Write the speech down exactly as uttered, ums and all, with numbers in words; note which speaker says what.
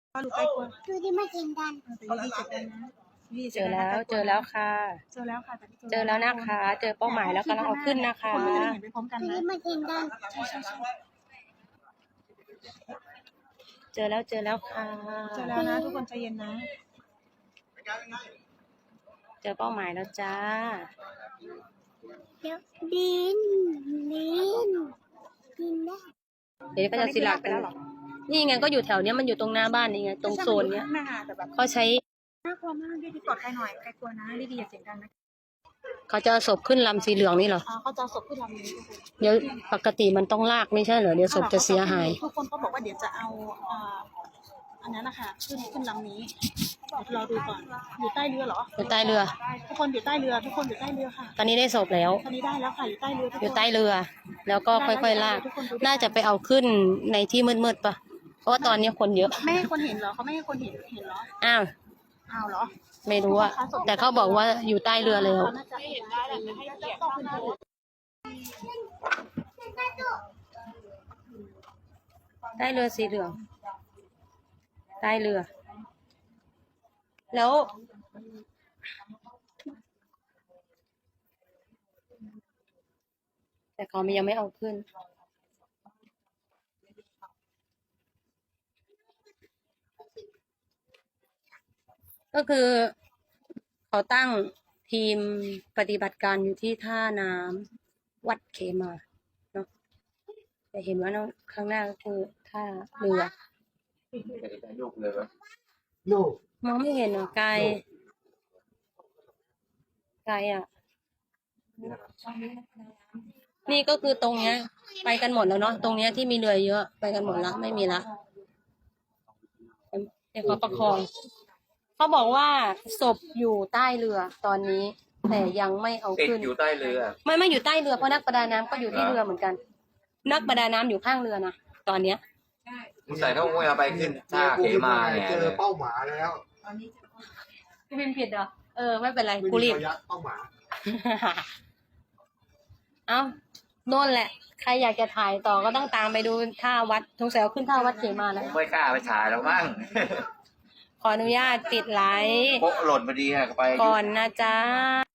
Speaker 1: ก็รู้ใกล้กลัว
Speaker 2: ดูที่ไม่เห็นกัน
Speaker 1: แต่ยี่สิบเจ็ดนะ
Speaker 3: เจอแล้วเจอแล้วค่ะ
Speaker 1: เจอแล้วค่ะแต่
Speaker 3: เจอแล้วนะคะ เจอเป้าหมายแล้วกำลังเอาขึ้นนะคะ
Speaker 1: คนก็จะได้เห็นไปพร้อมกัน
Speaker 2: ดู
Speaker 1: นะ
Speaker 2: ที่ไม่เห็นกัน
Speaker 1: ใช่ใช่ใช่
Speaker 3: เจอแล้วเจอแล้วค่ะ
Speaker 1: เจอแล้วนะทุกคนใจเย็นนะ
Speaker 3: เจอเป้าหมายแล้วจ้า
Speaker 2: เดี๋ยวดินดินดินได้
Speaker 3: เดี๋ยวก็จะสิลักไปแล้วหรอนี่ไงก็อยู่แถวเนี้ยมันอยู่ตรงหน้าบ้านนี่ไงตรงโซนเนี้ย
Speaker 1: แม่ค่ะแต่แบบ
Speaker 3: เขาใช้
Speaker 1: น่ากลัวมากดีดีกอดใครหน่อยใครกลัวนะดีดีอย่าเสียงดังนะ
Speaker 3: เขาจะเอาศพขึ้นลำสีเหลืองนี่เหรอ
Speaker 1: อ่าเขาจะศพขึ้นลำนี้ทุกคน
Speaker 3: เดี๋ยวปกติมันต้องลากไม่ใช่เหรอเดี๋ยวศพจะเสียหาย
Speaker 1: ทุกคนก็บอกว่าเดี๋ยวจะเอาอ่าอันนั้นนะคะขึ้นขึ้นลำนี้เดี๋ยวรอดูก่อนอยู่ใต้เรือเหรอ
Speaker 3: อยู่ใต้เรือ
Speaker 1: ทุกคนอยู่ใต้เรือทุกคนอยู่ใต้เรือค่ะ
Speaker 3: ตอนนี้ได้ศพแล้ว
Speaker 1: ตอนนี้ได้แล้วค่ะอยู่ใต้เรือทุกคน
Speaker 3: อยู่ใต้เรือ แล้วก็ค่อยๆลาก น่าจะไปเอาขึ้นในที่มืดๆปะเพราะว่าตอนนี้คนเยอะ
Speaker 1: ไม่ให้คนเห็นเหรอเขาไม่ให้คนเห็นเห็นเหรอ
Speaker 3: อ้าว
Speaker 1: อ้าวเหรอ
Speaker 3: ไม่รู้อะแต่เขาบอกว่าอยู่ใต้เรือแล้ว
Speaker 1: น่าจะเห็นได้แหละแต่ให้เกียรติต้องขึ้นเรือ
Speaker 3: ใต้เรือสีเหลืองใต้เรือ แล้ว แต่เขายังไม่เอาขึ้น ก็คือเขาตั้งทีมปฏิบัติการอยู่ที่ท่าน้ำวัดเขมาเนาะแต่เห็นว่าน้องข้างหน้าก็คือท่าเรือ
Speaker 4: ลูกเลยปะ
Speaker 3: มองไม่เห็นเหรอไกลไกลอ่ะ นี่ก็คือตรงเนี้ย ไปกันหมดแล้วเนาะตรงเนี้ยที่มีเรือเยอะไปกันหมดละไม่มีละเดี๋ยวเขาประคองเขาบอกว่าศพอยู่ใต้เรือตอนนี้ แต่ยังไม่เอา
Speaker 4: ติด
Speaker 3: ขึ้น
Speaker 4: อยู่ใต้เรือ
Speaker 3: ไม่ไม่อยู่ใต้เรือเพราะนักประดาน้ำก็อยู่ที่เรือเหมือนกัน นักประดาน้ำอยู่ข้างเรือนะตอนเนี้ย
Speaker 4: มึงใส่เขาไม่เอาไปขึ้นท่าเขมาเนี่ย
Speaker 5: เจอเป้าหมายแล้ว
Speaker 3: พี่พิมพ์ผิดเหรอเออไม่เป็นไรกูรีบ
Speaker 5: ระยะเป้าหมาย
Speaker 3: เอ้าโน่นแหละ ใครอยากจะถ่ายต่อก็ต้องตามไปดูท่าวัดทงแสวขึ้นท่าวัดเขมาแล้ว
Speaker 4: ไม่กล้าไปถ่ายแล้วมั้ง
Speaker 3: ขออนุญาตปิดไลฟ์
Speaker 4: โป๊ะหล่นพอดีฮะไป
Speaker 3: ก่อนนะจ๊ะ